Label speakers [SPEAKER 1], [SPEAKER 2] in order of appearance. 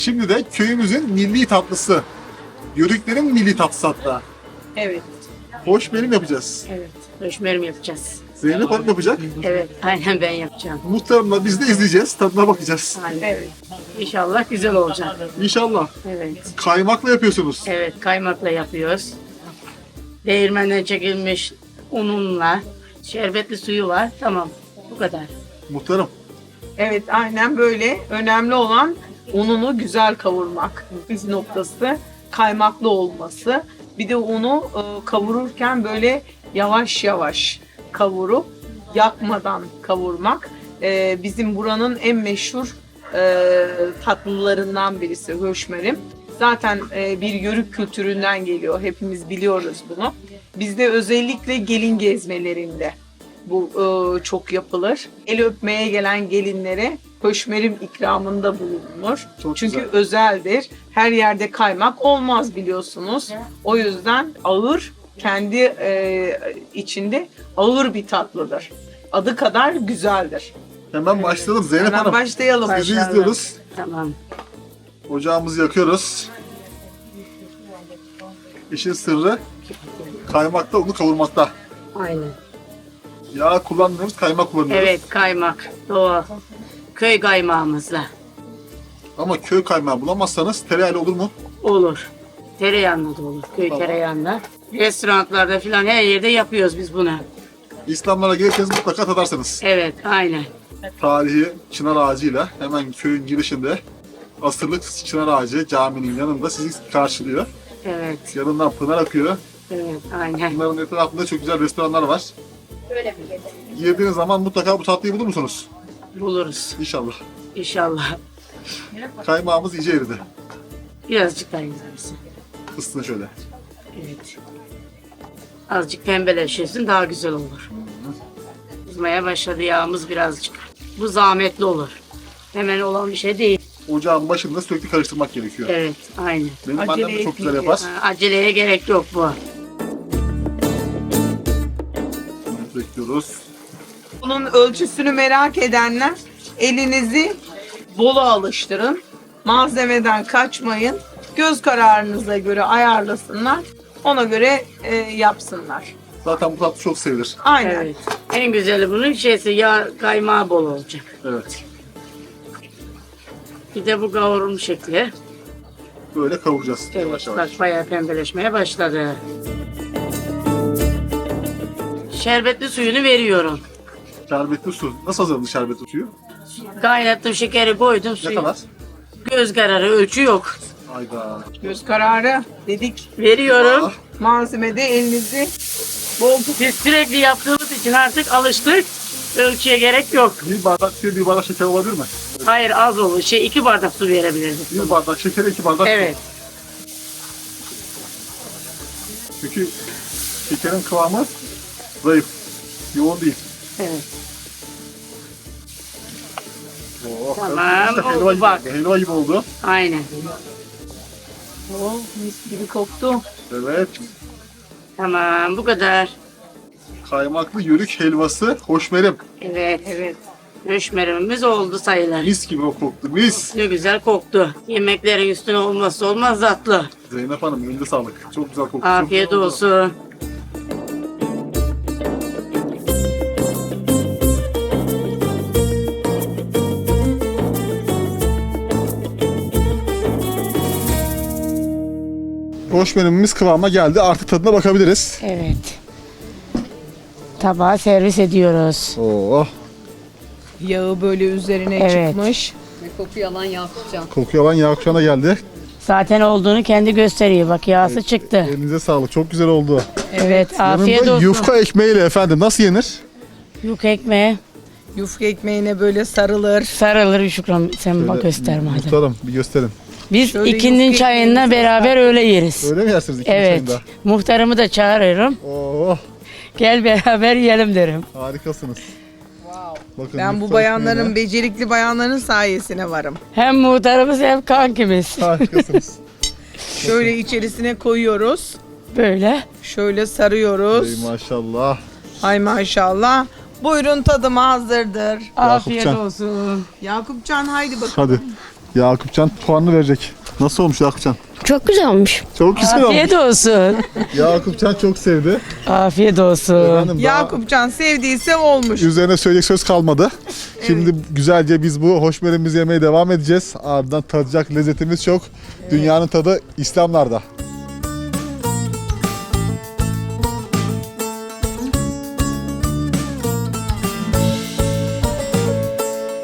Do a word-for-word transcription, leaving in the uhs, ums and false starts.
[SPEAKER 1] Şimdi de köyümüzün milli tatlısı. Yörüklerin milli tatlısı hatta.
[SPEAKER 2] Evet,
[SPEAKER 1] Hoşmerim yapacağız.
[SPEAKER 2] evet. Höşmerim yapacağız.
[SPEAKER 1] Zeynep Hanım yapacak.
[SPEAKER 2] Evet, aynen ben yapacağım.
[SPEAKER 1] Muhtarımla biz de izleyeceğiz. Tadına bakacağız.
[SPEAKER 2] Aynen. Evet. İnşallah güzel olacak.
[SPEAKER 1] İnşallah.
[SPEAKER 2] Evet.
[SPEAKER 1] Kaymakla yapıyorsunuz.
[SPEAKER 2] Evet, kaymakla yapıyoruz. Değirmenden çekilmiş ununla, şerbetli suyu var. Tamam, bu kadar.
[SPEAKER 1] Muhtarım.
[SPEAKER 3] Evet, aynen böyle. Önemli olan ununu güzel kavurmak. Biz noktası kaymaklı olması. Bir de unu e, kavururken böyle yavaş yavaş kavurup yakmadan kavurmak. E, bizim buranın en meşhur e, tatlılarından birisi höşmerim. Zaten e, bir yörük kültüründen geliyor. Hepimiz biliyoruz bunu. Bizde özellikle gelin gezmelerinde bu e, çok yapılır. El öpmeye gelen gelinlere höşmerim ikramında bulunur.
[SPEAKER 1] Çok
[SPEAKER 3] Çünkü
[SPEAKER 1] güzel.
[SPEAKER 3] özeldir. Her yerde kaymak olmaz biliyorsunuz. O yüzden ağır, kendi e, içinde ağır bir tatlıdır. Adı kadar güzeldir.
[SPEAKER 1] Hemen başlayalım Zeynep
[SPEAKER 3] Hemen
[SPEAKER 1] Hanım.
[SPEAKER 3] başlayalım.
[SPEAKER 1] Sizi
[SPEAKER 2] Başlayalım.
[SPEAKER 1] izliyoruz.
[SPEAKER 2] Tamam.
[SPEAKER 1] Ocağımızı yakıyoruz. İşin sırrı kaymakta, unu kavurmakta.
[SPEAKER 2] Aynen.
[SPEAKER 1] Yağ kullanmıyoruz, kaymak kullanıyoruz.
[SPEAKER 2] Evet, kaymak. Doğal. Köy kaymağımızla.
[SPEAKER 1] Ama köy kaymağı bulamazsanız tereyağıyla olur mu?
[SPEAKER 2] Olur. Tereyağında da olur. Köy
[SPEAKER 1] Tamam.
[SPEAKER 2] tereyağında. Restoranlarda falan her yerde yapıyoruz biz bunu.
[SPEAKER 1] İslamlara gelirseniz mutlaka tadarsınız.
[SPEAKER 2] Evet, aynen.
[SPEAKER 1] Tarihi çınar ağacıyla hemen köyün girişinde asırlık çınar ağacı caminin yanında sizi karşılıyor.
[SPEAKER 2] Evet,
[SPEAKER 1] Yanından pınar akıyor.
[SPEAKER 2] evet, aynen.
[SPEAKER 1] Bunların etrafında çok güzel restoranlar var. Girdiğiniz zaman mutlaka bu tatlıyı bulur musunuz?
[SPEAKER 2] Buluruz.
[SPEAKER 1] İnşallah.
[SPEAKER 2] İnşallah.
[SPEAKER 1] Kaymağımız iyice eridi.
[SPEAKER 2] Birazcık daha güzelsin.
[SPEAKER 1] Isıtın şöyle.
[SPEAKER 2] Evet. Azıcık pembeleşirsin daha güzel olur. Kızmaya başladı yağımız birazcık. Bu zahmetli olur. Hemen olan bir şey değil.
[SPEAKER 1] Ocağın başında sürekli karıştırmak gerekiyor.
[SPEAKER 2] Evet, aynen.
[SPEAKER 1] Benim
[SPEAKER 3] Acele
[SPEAKER 1] annem de çok güzel
[SPEAKER 3] etmek
[SPEAKER 1] yapar.
[SPEAKER 2] Ha, aceleye gerek yok bu.
[SPEAKER 1] Bekliyoruz.
[SPEAKER 3] Bunun ölçüsünü merak edenler elinizi bolu alıştırın. Malzemeden kaçmayın. Göz kararınıza göre ayarlasınlar. Ona göre e, yapsınlar.
[SPEAKER 1] Zaten bu tatlı çok sevilir.
[SPEAKER 3] Aynen.
[SPEAKER 2] Evet. En güzeli bunun şeysi yağ kaymağı bol olacak.
[SPEAKER 1] Evet.
[SPEAKER 2] Bir de bu kavurulmuş şekli.
[SPEAKER 1] Böyle kavuracağız
[SPEAKER 2] Evet,
[SPEAKER 1] yavaş yavaş.
[SPEAKER 2] bak bayağı pembeleşmeye başladı. Şerbetli suyunu veriyorum.
[SPEAKER 1] Şerbetli su. Nasıl hazırlandı şerbetli suyu?
[SPEAKER 2] Kaynattım, şekeri koydum.
[SPEAKER 1] Ne
[SPEAKER 2] Suyu.
[SPEAKER 1] kadar?
[SPEAKER 2] Göz kararı, ölçü yok.
[SPEAKER 1] Ayda.
[SPEAKER 3] Göz kararı dedik.
[SPEAKER 2] Veriyorum.
[SPEAKER 1] Ah,
[SPEAKER 3] Malzemede elinizi bol tut.
[SPEAKER 2] Biz sürekli yaptığımız için artık alıştık. Ölçüye gerek yok.
[SPEAKER 1] bir bardak suya bir bardak şeker olabilir mi?
[SPEAKER 2] Hayır, az olur. Şey iki bardak su verebilirdik.
[SPEAKER 1] Bir bardak şeker, iki bardak
[SPEAKER 2] Evet.
[SPEAKER 1] su. Çünkü şekerin kıvamı zayıf. Yoğun değil.
[SPEAKER 2] Evet.
[SPEAKER 1] Oh,
[SPEAKER 2] Tamam,
[SPEAKER 1] işte
[SPEAKER 2] oldu
[SPEAKER 1] helva gibi
[SPEAKER 2] bak.
[SPEAKER 1] oldu. Helva gibi oldu.
[SPEAKER 2] Aynen.
[SPEAKER 3] Oh, mis gibi koktu.
[SPEAKER 1] Evet.
[SPEAKER 2] Tamam, bu kadar.
[SPEAKER 1] Kaymaklı yörük helvası hoşmerim.
[SPEAKER 2] Evet.
[SPEAKER 3] Evet.
[SPEAKER 2] Höşmerimimiz oldu sayılır.
[SPEAKER 1] Mis gibi o koktu. Mis.
[SPEAKER 2] Ne güzel koktu. Yemeklerin üstüne olmazsa olmaz tatlı.
[SPEAKER 1] Zeynep Hanım elinde sağlık. Çok güzel koktu. çok
[SPEAKER 2] Afiyet
[SPEAKER 1] güzel oldu.
[SPEAKER 2] olsun.
[SPEAKER 1] Hoşmerimimiz kıvama geldi. Artık tadına bakabiliriz.
[SPEAKER 2] Evet. Tabağa servis ediyoruz.
[SPEAKER 1] Oh.
[SPEAKER 3] Yağı böyle üzerine
[SPEAKER 2] Evet.
[SPEAKER 3] çıkmış.
[SPEAKER 4] Kokuyu alan Yakupcan.
[SPEAKER 1] Kokuyor lan yağ kuşağına geldi.
[SPEAKER 2] Zaten olduğunu kendi gösteriyor. Bak yağsı çıktı.
[SPEAKER 1] Elinize sağlık. Çok güzel oldu.
[SPEAKER 2] Evet, afiyet
[SPEAKER 1] Yanında
[SPEAKER 2] olsun.
[SPEAKER 1] yufka ekmeğiyle efendim. Nasıl yenir?
[SPEAKER 2] Yufka ekmeği
[SPEAKER 3] Yufka ekmeğine böyle sarılır.
[SPEAKER 2] sarılır Şükran. Sen bak göster madem.
[SPEAKER 1] Muhtarım bir gösterin.
[SPEAKER 2] Biz
[SPEAKER 3] Şöyle
[SPEAKER 2] ikinin
[SPEAKER 3] yufka
[SPEAKER 2] çayında
[SPEAKER 3] ekmeğimizi-
[SPEAKER 2] beraber öyle yeriz.
[SPEAKER 1] Öyle mi yersiniz ikinci
[SPEAKER 2] Evet.
[SPEAKER 1] çayında?
[SPEAKER 2] Muhtarımı da çağırıyorum.
[SPEAKER 1] Oh,
[SPEAKER 2] Gel beraber yiyelim derim.
[SPEAKER 1] harikasınız. Bakın,
[SPEAKER 3] Ben
[SPEAKER 1] yufka
[SPEAKER 3] bu bayanların,
[SPEAKER 1] ekmeğine
[SPEAKER 3] becerikli bayanların sayesine varım.
[SPEAKER 2] Hem muhtarımız hem kankimiz.
[SPEAKER 1] harikasınız.
[SPEAKER 3] Şöyle içerisine koyuyoruz.
[SPEAKER 2] Böyle.
[SPEAKER 3] Şöyle sarıyoruz.
[SPEAKER 1] Ey maşallah.
[SPEAKER 3] Ay maşallah. Buyurun tadıma hazırdır.
[SPEAKER 2] Afiyet
[SPEAKER 1] Yakupcan.
[SPEAKER 2] olsun.
[SPEAKER 3] Yakupcan haydi bakalım.
[SPEAKER 1] Hadi. Yakupcan puanını verecek. Nasıl olmuş Yakupcan?
[SPEAKER 5] Çok güzel olmuş.
[SPEAKER 1] Çok güzel
[SPEAKER 6] Afiyet
[SPEAKER 1] olmuş.
[SPEAKER 6] olsun.
[SPEAKER 1] Yakupcan çok sevdi.
[SPEAKER 6] Afiyet olsun.
[SPEAKER 1] Efendim, daha
[SPEAKER 3] Yakupcan sevdiyse olmuş.
[SPEAKER 1] üzerine söyleyecek söz kalmadı. Şimdi güzelce biz bu hoşmerimizi yemeye devam edeceğiz. Ardından tadacak lezzetimiz çok. Dünyanın tadı İslamlarda.